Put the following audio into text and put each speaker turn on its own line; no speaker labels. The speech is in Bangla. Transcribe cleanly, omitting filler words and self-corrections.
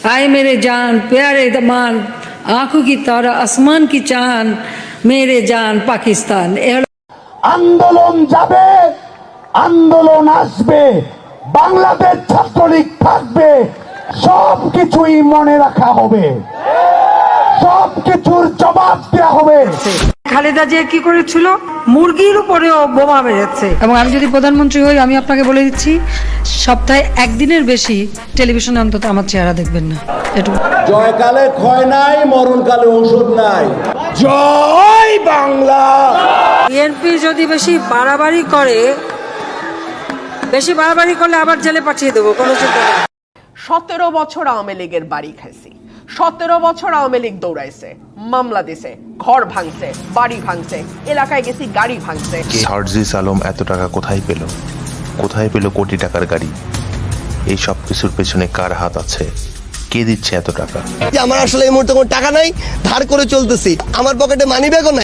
आए मेरे जान प्यारे दमान आंखों की तारा आसमान की चांद मेरे जान पाकिस्तान।
আন্দোলন যাবে, আন্দোলন আসবে, বাংলাদেশ ছাত্রলীগ থাকবে, সবকিছুই মনে রাখা হবে, সবকিছুর জবাব দেওয়া হবে।
খালেদা জিয়া কি করেছিল? মুরগির উপরেও বোমা মেরেছে। এবং আমি যদি প্রধানমন্ত্রী হই, আমি আপনাকে বলে দিচ্ছি, সপ্তাহে একদিনের বেশি টেলিভিশনে অন্তত আমার চেহারা দেখবেন না। এটুকু।
জয়কালে ক্ষয় নাই, মরণকালে ঔষধ নাই। জয় বাংলা।
বিএনপি যদি বেশি বাড়াবাড়ি করলে আবার জেলে পাঠিয়ে দেবো, কোনো চিন্তা নেই।
17 বছর আওয়ামী লীগের বাড়ি খাইছি, 17 বছর আওয়ামী লীগ দৌড়াইছে, মামলা দিছে, ঘর ভাঙছে, বাড়ি ভাঙছে, এলাকায় গেছি গাড়ি ভাঙছে।
সার্জিস আলম এত টাকা কোথায় পেল? কোথায় পেল কোটি টাকার গাড়ি? এই সব কিছুর পেছনে কার হাত আছে? কে দিচ্ছে এত টাকা?
আমার আসলে এই মুহূর্তে কোনো টাকা নাই, ধার করে চলতেছি, আমার পকেটে মানি ব্যাগও নাই।